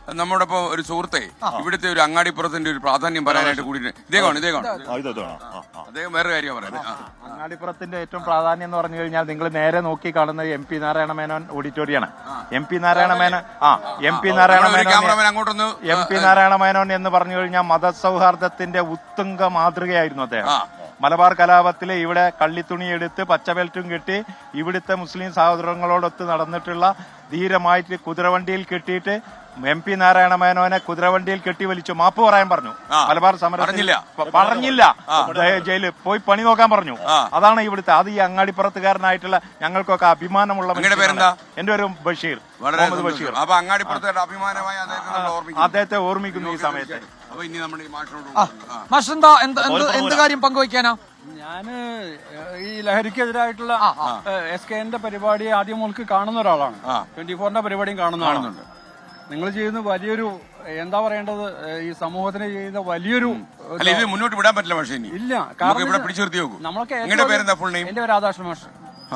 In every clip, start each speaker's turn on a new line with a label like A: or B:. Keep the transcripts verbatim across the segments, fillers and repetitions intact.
A: നമ്മുടെ ഇപ്പൊ ഒരു സുഹൃത്തെ ഇവിടുത്തെ ഒരു അങ്ങാടിപ്പുറത്തിന്റെ ഒരു പ്രാധാന്യം പറയാനായിട്ട് കൂടി ഇദ്ദേഹമാണ് ഇദ്ദേഹമാണ് അദ്ദേഹം വേറെ കാര്യം പറയുന്നത്.
B: അങ്ങാടിപ്പുറത്തിന്റെ ഏറ്റവും പ്രാധാന്യം എന്ന് പറഞ്ഞു കഴിഞ്ഞാൽ നിങ്ങൾ നേരെ നോക്കി കാണുന്നത് എം പി നാരായണ മേനോൻ ഓഡിറ്റോറിയാണ്. എം പി നാരായണ മേനോൻ ആ M P Narayana Menon M P Narayana Menon എന്ന് പറഞ്ഞു കഴിഞ്ഞാൽ മതസൗഹാർദ്ദത്തിന്റെ ഉത്തുംഗ മാതൃകയായിരുന്നു അദ്ദേഹം. മലബാർ കലാപത്തില് ഇവിടെ കള്ളിത്തുണി എടുത്ത് പച്ചബെൽറ്റും കെട്ടി ഇവിടുത്തെ മുസ്ലിം സഹോദരങ്ങളോടൊത്ത് നടന്നിട്ടുള്ള ധീരമായിട്ട് കുതിരവണ്ടിയിൽ കെട്ടിയിട്ട് എം പി നാരായണ മേനോനെ കുതിരവണ്ടിയിൽ കെട്ടി വലിച്ചു മാപ്പ് പറയാൻ പറഞ്ഞു. മലബാർ സമരത്തിൽ പറഞ്ഞില്ല, ജയിലിൽ പോയി പണി നോക്കാൻ പറഞ്ഞു. അതാണ് ഇവിടുത്തെ, അത് ഈ അങ്ങാടിപ്പുറത്തുകാരനായിട്ടുള്ള ഞങ്ങൾക്കൊക്കെ അഭിമാനമുള്ള. എന്റെ ഒരു ബഷീർ, മുഹമ്മദ് ബഷീർ. അദ്ദേഹത്തെ ഓർമ്മിക്കുന്നു ഈ സമയത്ത്.
C: എന്ത് കാര്യം പങ്കുവയ്ക്കാനാ?
D: ഞാന് ഈ ലഹരിക്കെതിരായിട്ടുള്ള എസ് കെ എന്റെ പരിപാടി ആദ്യം മുതൽക്ക് കാണുന്ന ഒരാളാണ്. ട്വന്റി ഫോറിന്റെ പരിപാടിയും കാണുന്നുണ്ട്. നിങ്ങൾ ചെയ്യുന്ന വലിയൊരു എന്താ പറയേണ്ടത്, ഈ സമൂഹത്തിന് ചെയ്യുന്ന വലിയൊരു
A: മുന്നോട്ട് വിടാൻ പറ്റില്ല. പക്ഷേ
D: ഇല്ല,
A: നമ്മളൊക്കെ
D: എന്റെ പേര് രാധാകൃഷ്ണ മാഷ്.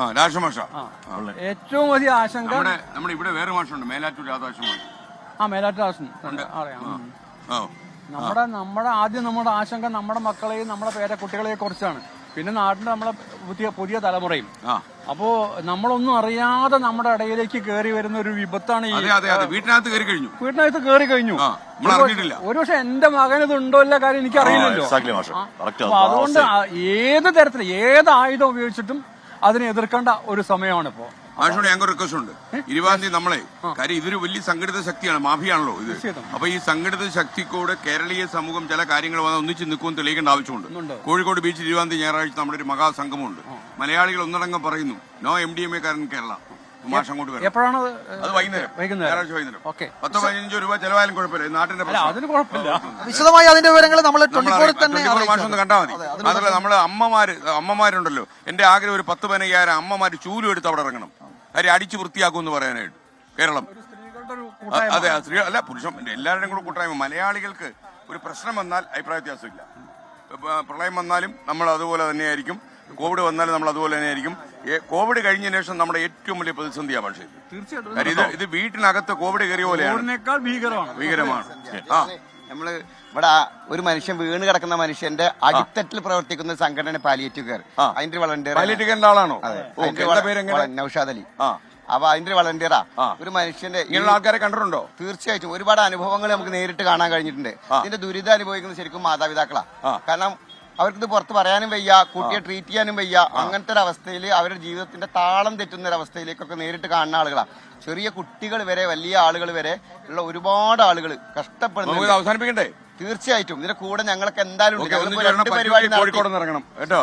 D: ഏറ്റവും വലിയ ആശങ്ക
A: നമ്മുടെ ഇവിടെ വേറെ മാഷുണ്ട്, മേലാറ്റൂർ രാധാകൃഷ്ണൻ മാഷ്.
D: ആ മേലാറ്റൂർ രാധാകൃഷ്ണൻ അറിയാം. നമ്മുടെ നമ്മുടെ ആദ്യം നമ്മുടെ ആശങ്ക നമ്മുടെ മക്കളെയും നമ്മുടെ പേരക്കുട്ടികളെയും കുറിച്ചാണ്. പിന്നെ നാട്ടിൽ നമ്മളെ പുതിയ പുതിയ തലമുറയും. അപ്പോ നമ്മളൊന്നും അറിയാതെ നമ്മുടെ ഇടയിലേക്ക് കയറി വരുന്ന ഒരു വിപത്താണ് ഈ
A: വീട്ടിനകത്ത് കയറി കഴിഞ്ഞു
D: വീട്ടിനകത്ത് കയറി കഴിഞ്ഞു ഒരുപക്ഷെ എന്റെ മകൻ ഇത് ഉണ്ടോ ഇല്ല കാര്യം എനിക്ക് അറിയില്ലല്ലോ. അപ്പൊ അതുകൊണ്ട് ഏത് തരത്തിൽ ഏത് ആയുധം ഉപയോഗിച്ചിട്ടും അതിനെ എതിർക്കേണ്ട ഒരു സമയമാണ് ഇപ്പോ.
A: മാഷോട് ഞങ്ങൾക്ക് റിക്വസ്റ്റ് ഉണ്ട്. ഇരുപതാം തീയതി നമ്മളെ കാര്യം ഇതൊരു വലിയ സംഘടിത ശക്തിയാണ്, മാഫിയാണല്ലോ ഇത്. അപ്പൊ ഈ സംഘടിത ശക്തിക്കൂടെ കേരളീയ സമൂഹം ചില കാര്യങ്ങൾ വന്ന് ഒന്നിച്ച് നിൽക്കുമെന്ന് തെളിയിക്കേണ്ട ആവശ്യമുണ്ട്. കോഴിക്കോട് ബീച്ചിൽ ഇരുപതാം തീയതി ഞായറാഴ്ച നമ്മുടെ ഒരു മഹാസംഗമമുണ്ട്. മലയാളികൾ ഒന്നടങ്കം പറയുന്നു no M D M A കാരൻ കേരള. മാഷ് അങ്ങോട്ട് വരും.
D: എപ്പോഴാണ്
A: അത്? വൈകുന്നേരം, ഞായറാഴ്ച വൈകുന്നേരം. പത്തോ പതിനഞ്ചോ രൂപ ചെലവായാലും കുഴപ്പമില്ല, നാട്ടിന്റെ
D: അതിന് കുഴപ്പമില്ല.
C: വിശദമായി അതിന്റെ വിവരങ്ങൾ നമ്മൾ തന്നെ
A: മാഷൊന്ന് കണ്ടാൽ മതി. അതല്ല, നമ്മള് അമ്മമാര് അമ്മമാരുണ്ടല്ലോ, എന്റെ ആഗ്രഹം ഒരു പത്ത് പതിനയ്യായിരം അമ്മമാര് ചൂലും എടുത്ത് അവിടെ ഇറങ്ങണം, കാര്യം അടിച്ചു വൃത്തിയാക്കുമെന്ന് പറയാനായിട്ട് കേരളം. അതെ, സ്ത്രീ അല്ല പുരുഷൻ എല്ലാവരുടെയും കൂടെ കൂട്ടായ്മ. മലയാളികൾക്ക് ഒരു പ്രശ്നം വന്നാൽ അഭിപ്രായ വ്യത്യാസമില്ല. പ്രളയം വന്നാലും നമ്മൾ അതുപോലെ തന്നെയായിരിക്കും, കോവിഡ് വന്നാലും നമ്മൾ അതുപോലെ തന്നെയായിരിക്കും. കോവിഡ് കഴിഞ്ഞതിന് ശേഷം നമ്മുടെ ഏറ്റവും വലിയ പ്രതിസന്ധിയാണ്. പക്ഷേ ഇത് ഇത് ഇത് വീട്ടിനകത്ത് കോവിഡ് കയറിയ പോലെയാണ്, ഭീകരമാണ്. ആ
E: നമ്മള് ഇവിടെ ഒരു മനുഷ്യൻ വീണ് കിടക്കുന്ന മനുഷ്യന്റെ അടിത്തട്ടിൽ പ്രവർത്തിക്കുന്ന സംഘടന പാലിയേറ്റീവ് കെയർ. അതിന്റെ വളണ്ടിയർ
A: പാലിയേറ്റീവ് ആളാണോ?
E: നൗഷാദ് അലി. അപ്പൊ അതിന്റെ വളണ്ടിയറാ. ഒരു മനുഷ്യന്റെ
A: ആൾക്കാരെ കണ്ടിട്ടുണ്ടോ?
E: തീർച്ചയായിട്ടും ഒരുപാട് അനുഭവങ്ങൾ നമുക്ക് നേരിട്ട് കാണാൻ കഴിഞ്ഞിട്ടുണ്ട്. ഇതിന്റെ ദുരിതം അനുഭവിക്കുന്നത് ശരിക്കും മാതാപിതാക്കളാ. കാരണം അവർക്കിത് പുറത്ത് പറയാനും വയ്യ, കുട്ടിയെ ട്രീറ്റ് ചെയ്യാനും വയ്യ. അങ്ങനത്തെ ഒരു അവസ്ഥയിൽ അവരുടെ ജീവിതത്തിന്റെ താളം തെറ്റുന്ന ഒരു അവസ്ഥയിലേക്കൊക്കെ നേരിട്ട് കാണുന്ന ആളുകളാണ്. ചെറിയ കുട്ടികൾ വരെ വലിയ ആളുകൾ വരെ ഉള്ള ഒരുപാട് ആളുകൾ കഷ്ടപ്പെടുന്നു.
A: അവസാനിപ്പിക്കണ്ടേ?
E: തീർച്ചയായിട്ടും ഇതിന്റെ കൂടെ ഞങ്ങളൊക്കെ എന്തായാലും
A: കോഴിക്കോട് ഇറങ്ങണം കേട്ടോ.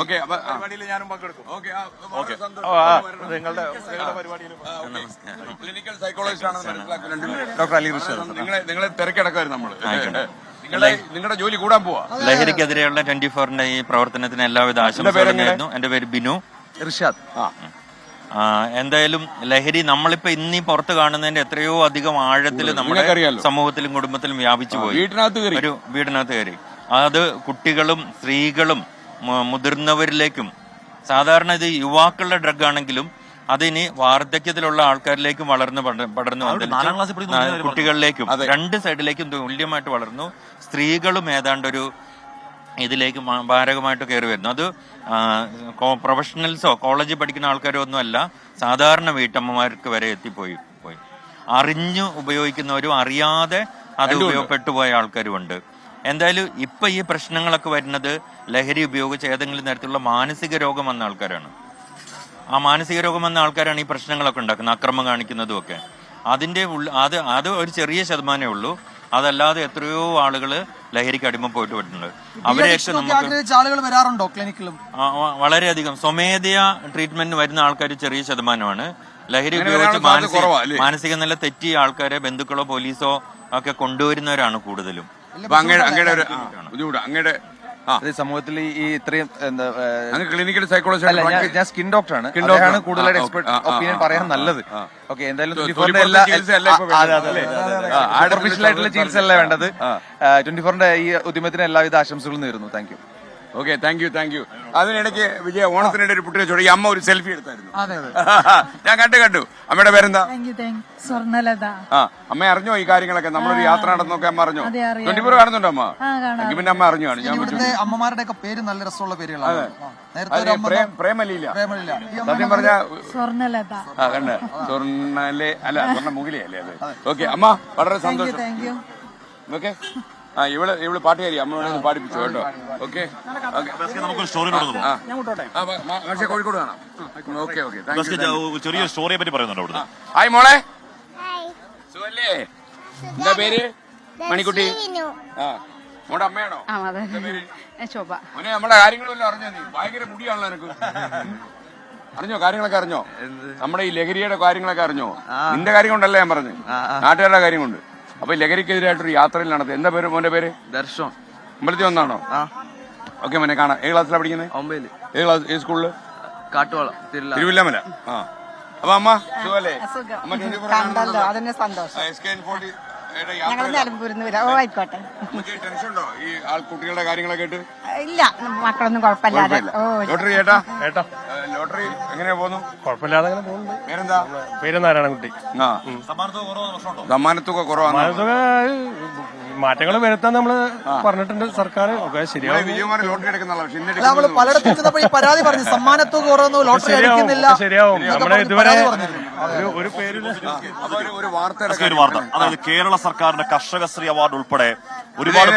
A: ക്ലിനിക്കൽ സൈക്കോളജിസ്റ്റ് ആണ് ഡോക്ടർ അലി ഋഷി. നിങ്ങളെ നിങ്ങളെ തിരക്കിടക്കായിരുന്നു നമ്മള്. നിങ്ങളുടെ ജോലി കൂടാൻ പോവാ.
F: ലഹരിക്കെതിരെയുള്ള ട്വന്റി ഫോറിന്റെ ഈ പ്രവർത്തനത്തിന് എല്ലാവിധ ആശംസകളും നേരുന്നു. എന്റെ പേര് ബിനു
A: ഇർഷാദ്.
F: എന്തായാലും ലഹരി നമ്മളിപ്പോ ഇന്നീ പുറത്ത് കാണുന്നതിന്റെ എത്രയോ അധികം ആഴത്തിൽ നമ്മുടെ സമൂഹത്തിലും കുടുംബത്തിലും വ്യാപിച്ചു പോയി. ഒരു വീടിനകത്ത് കയറി അത് കുട്ടികളും സ്ത്രീകളും മുതിർന്നവരിലേക്കും, സാധാരണ ഇത് യുവാക്കളുടെ ഡ്രഗ് ആണെങ്കിലും അതിനി വാർദ്ധക്യത്തിലുള്ള ആൾക്കാരിലേക്കും വളർന്ന് പടർന്നു വന്നിട്ട് കുട്ടികളിലേക്കും രണ്ട് സൈഡിലേക്കും തുല്യമായിട്ട് വളർന്നു. സ്ത്രീകളും ഏതാണ്ടൊരു ഇതിലേക്ക് മാരകമായിട്ട് കയറി വരുന്നു. അത് പ്രൊഫഷണൽസോ കോളേജിൽ പഠിക്കുന്ന ആൾക്കാരോ ഒന്നും അല്ല, സാധാരണ വീട്ടമ്മമാർക്ക് വരെ എത്തിപ്പോയി പോയി അറിഞ്ഞു ഉപയോഗിക്കുന്നവരും അറിയാതെ അത് ഉപയോഗപ്പെട്ടു പോയ ആൾക്കാരുമുണ്ട്. എന്തായാലും ഇപ്പൊ ഈ പ്രശ്നങ്ങളൊക്കെ വരുന്നത് ലഹരി ഉപയോഗിച്ച് ഏതെങ്കിലും തരത്തിലുള്ള മാനസിക രോഗം വന്ന ആൾക്കാരാണ്. ആ മാനസിക രോഗം വന്ന ആൾക്കാരാണ് ഈ പ്രശ്നങ്ങളൊക്കെ ഉണ്ടാക്കുന്നത്, അക്രമം കാണിക്കുന്നതും ഒക്കെ. അതിന്റെ അത് അത് ഒരു ചെറിയ ശതമാനമേ ഉള്ളൂ. അതല്ലാതെ എത്രയോ ആളുകള് ലഹരിക്ക് അടിമപ്പെട്ട് പോയിട്ടുണ്ട്. അവരെയൊക്കെ നമുക്ക്
C: ആളുകൾ വരാറുണ്ടോ ക്ലിനിക്കിലും?
F: വളരെയധികം സ്വമേധയാ ട്രീറ്റ്മെന്റ് വരുന്ന ആൾക്കാർ ചെറിയ ശതമാനമാണ്. ലഹരി ഉപയോഗിച്ച് മാനസിക മാനസിക നില തെറ്റിയ ആൾക്കാരെ ബന്ധുക്കളോ പോലീസോ ഒക്കെ കൊണ്ടുവരുന്നവരാണ് കൂടുതലും.
G: സമൂഹത്തിൽ ഈ ഇത്രയും
A: ക്ലിനിക്കൽ സൈക്കോളജി,
G: ഞാൻ സ്കിൻ ഡോക്ടറാണ്, അദ്ദേഹമാണ് കൂടുതലായിട്ട് എക്സ്പെർട്ട് ഒപ്പീനിയൻ പറയാൻ നല്ലത്. ഓക്കെ, എന്തായാലും ആർട്ടിഫിഷ്യൽ ആയിട്ടുള്ള ചികിത്സ അല്ല വേണ്ടത്. ട്വന്റി ഫോറിന്റെ ഈ ഉദ്യമത്തിന് എല്ലാവിധ ആശംസകളും നേരുന്നു. Thank you.
A: Okay, thank you thank you അതിനിടയ്ക്ക് വിജയ ഓണത്തിനിടെ ഒരു കുട്ടിയെ ചോദിച്ചു, ഈ അമ്മ ഒരു സെൽഫി എടുത്തായിരുന്നു.
C: അതെ അതെ
A: ഞാൻ കണ്ടു കണ്ടു. അമ്മയുടെ പേരെന്താ?
H: സ്വർണ്ണലത.
A: ആ അമ്മ അറിഞ്ഞോ ഈ കാര്യങ്ങളൊക്കെ? നമ്മളൊരു യാത്ര നടന്നൊക്കെ അമ്മ അറിഞ്ഞോ? ട്വന്റി ഫോർ കാണുന്നുണ്ടോ അമ്മ? എങ്കിൽ പിന്നെ അമ്മ അറിഞ്ഞു കാണും. ഞാൻ
C: ഇവിടുത്തെ അമ്മമാരുടെ ഒക്കെ പേര് നല്ല രസമുള്ള പേരുകളാണ്. നേരത്തെ ഒരു അമ്മ
A: പ്രേമലീല
C: പ്രേമലില്ല. ഈ അമ്മ
A: സത്യം പറഞ്ഞ
H: സ്വർണ്ണലത.
A: ആ കണ്ട സ്വർണ്ണലെ അല്ല സ്വർണ്ണ മുകിലേ അല്ലേ അത്? ഓക്കെ അമ്മ വളരെ സന്തോഷം. ഓക്കെ ആ ഇവള് ഇവള് പാട്ടുകാരി അമ്മയോട് ഒന്ന് പാടിപ്പിച്ചു കേട്ടോ. ഓക്കെ
I: നമുക്കൊരു സ്റ്റോറിയിലോട്ട്
A: പക്ഷേ കോഴിക്കോട് കാണാം. ഓക്കെ ഓക്കെ
I: ചെറിയ സ്റ്റോറിയെ പറ്റി പറയുന്നുണ്ടോ അവിടുന്ന്?
A: ഹായ് മോളെ, സുഖല്ലേ? എന്താ പേര്? മണിക്കുട്ടി. ആ മോടെ അമ്മയാണോ?
H: ശോഭ.
A: മോനെ നമ്മുടെ കാര്യങ്ങളെല്ലാം അറിഞ്ഞോ? നീ ഭയങ്കര മുടിയാണല്ലോ നിനക്ക്. അറിഞ്ഞോ കാര്യങ്ങളൊക്കെ അറിഞ്ഞോ? നമ്മുടെ ഈ ലഹരിയുടെ കാര്യങ്ങളൊക്കെ അറിഞ്ഞോ? നിന്റെ കാര്യം കൊണ്ടല്ല ഞാൻ പറഞ്ഞു, നാട്ടുകാരുടെ കാര്യം കൊണ്ട്. അപ്പൊ ലഹരിക്കെതിരായിട്ടൊരു യാത്രയിൽ നടത്തി. എന്താ പേര് മോന്റെ പേര്?
E: ദർശൻ.
A: അമ്പലത്തിൽ വന്നാണോ? ഓക്കെ മോനെ കാണാം. ഏത് ക്ലാസ്സിലാണ് പഠിക്കുന്നത്?
E: ഒമ്പതില്.
A: ഏത് ക്ലാസ്? ഏത് സ്കൂളില്?
E: കാട്ടുവാള
A: തിരുവില്ലാമല. ആ അപ്പൊ അമ്മ സുഖല്ലേ?
H: കണ്ടല്ലോ, അതിന്റെ സന്തോഷം. ഞങ്ങൾ നിലമ്പൂരിന്ന് വരാം. ഓ ആയിക്കോട്ടെ.
A: ടെൻഷൻ ഉണ്ടോ ഈ ആൾക്കുട്ടികളുടെ കാര്യങ്ങളൊക്കെ കേട്ട്?
H: ഇല്ല, മക്കളൊന്നും കുഴപ്പമില്ലാതെ. ഓ
A: ലോട്ടറി ചേട്ടാ ഏട്ടാ ലോട്ടറി എങ്ങനെയാ പോകുന്നു?
B: കുഴപ്പമില്ലാതെ അങ്ങനെ പോകുന്നുണ്ട്.
A: പേരെന്താ?
B: പേര് നാരായണൻകുട്ടി.
A: ആ സമ്മാനത്തുക കുറവാണ്.
B: മാറ്റങ്ങൾ വരുത്താൻ നമ്മള് പറഞ്ഞിട്ടുണ്ട് സർക്കാർ. ഒക്കെ ശരിയാവും.
A: വിജയകുമാർ ലോട്ടറി എടുക്കുന്നല്ലോ. പക്ഷെ ഇന്ന്
C: അല്ല, നമ്മള് പലയിടത്തും ചെന്നപ്പോൾ ഈ പരാതി പറഞ്ഞു സമ്മാനത്തുക കുറവൊന്നും ലോട്ടറി അടിക്കുന്നില്ല.
B: ശരിയാവും. നമ്മുടെ ഇതുവരെ ഒരു പേര്
A: ഒരു വാർത്ത
I: ഒരു വാർത്ത, അതായത് കേരള സർക്കാരിന്റെ കർഷകശ്രീ അവാർഡ് ഉൾപ്പെടെ ഒരുപാട്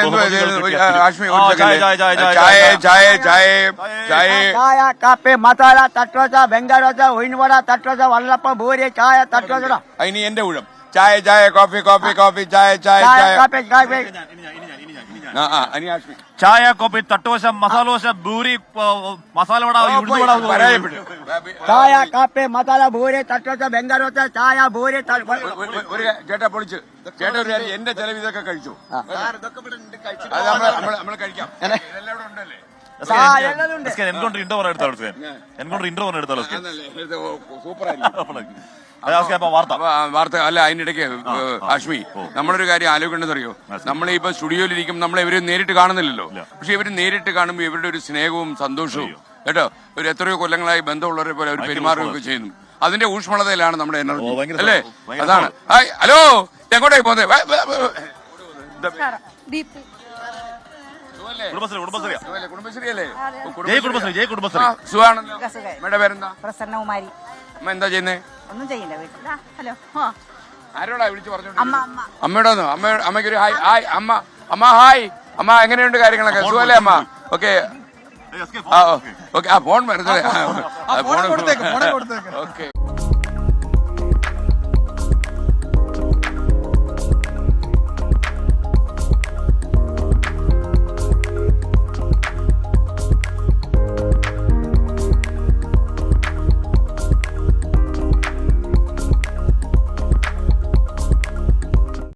A: ചായ ചായ ചായ ചായ
E: ചായ കാപ്പി മസാല തട്ടോച്ച ബംഗാരോച്ച ഒയിൻവട തട്ടോച്ച വള്ളപ്പ ഭൂരി ചായ തട്ടോച്ച.
A: ഇനി എന്റെ ഊഴം. ചായ ചായ കോഫി കോഫി കോഫി ചായ ചായ ചായ
E: കാപ്പി കാപ്പി
A: ആ ആ അനി ആഷ്മി
I: ചായ കോപ്പി തട്ടോശ മസാലോശ ഭൂരി മസാല വട ഉഴുന്നുവട
A: പരാജയപ്പെട്ടു.
E: ചായ കാപ്പി മസാല ഭൂരി തട്ടോച്ച ബംഗാരോച്ച ചായ ഭൂരി
A: ഒരു ചേട്ടാ പൊളിച്ച് ചേട്ടാ ഒരു കാര്യം, എന്റെ ചെലവ് ഇതൊക്കെ കഴിച്ചു. അത് നമ്മള് നമ്മള് നമ്മള് കഴിക്കാം. ഇതെല്ലാം ഇവിടെ ഉണ്ടല്ലേ?
I: എൻകൗണ്ടർ ഇന്റർവ്യൂ എടുത്താലോ? എൻകൗണ്ടർ ഇന്റർവ്യൂ എടുത്താലോ?
A: സൂപ്പറായിരിക്കും
I: വാർത്ത
A: വാർത്ത അല്ല. അതിനിടയ്ക്ക് ആഷ്മി നമ്മളൊരു കാര്യം ആലോചിക്കേണ്ടതറിയോ? നമ്മളെ ഇപ്പൊ സ്റ്റുഡിയോയിലിരിക്കും, നമ്മളെ ഇവര് നേരിട്ട് കാണുന്നില്ലല്ലോ. പക്ഷെ ഇവര് നേരിട്ട് കാണുമ്പോൾ ഇവരുടെ ഒരു സ്നേഹവും സന്തോഷവും കേട്ടോ, ഒരു എത്രയോ കൊല്ലങ്ങളായി ബന്ധമുള്ളവരെ പോലെ അവർ പെരുമാറുകയൊക്കെ ചെയ്യുന്നു. അതിന്റെ ഊഷ്മളതയിലാണ് നമ്മുടെ എനർജി അല്ലേ? അതാണ്. ഹായ് ഹലോ, എങ്ങോട്ടേക്ക് പോകുന്നത്? കുടുംബശ്രീ അല്ലേ? സുഖാണല്ലോ. അമ്മയുടെ പേരെന്താ?
H: പ്രസന്നകുമാരി.
A: അമ്മ എന്താ ചെയ്യുന്നേ?
H: ഒന്നും ചെയ്യില്ല വീട്ടിൽ. ഹലോ.
A: ആരോടാ വിളിച്ചു പറഞ്ഞു? അമ്മയോട് വന്നു. അമ്മ അമ്മയ്ക്ക് ഒരു ഹായ്. ഹായ് അമ്മ. അമ്മ ഹായ് അമ്മ, എങ്ങനെയുണ്ട് കാര്യങ്ങളൊക്കെ? സുഖല്ലേ അമ്മ? ഓക്കെ ഓക്കെ ആ ഫോൺ വരുന്നത്.
C: കൊടുത്തേക്ക് ഫോൺ കൊടുത്തേക്ക്.
A: ഓക്കെ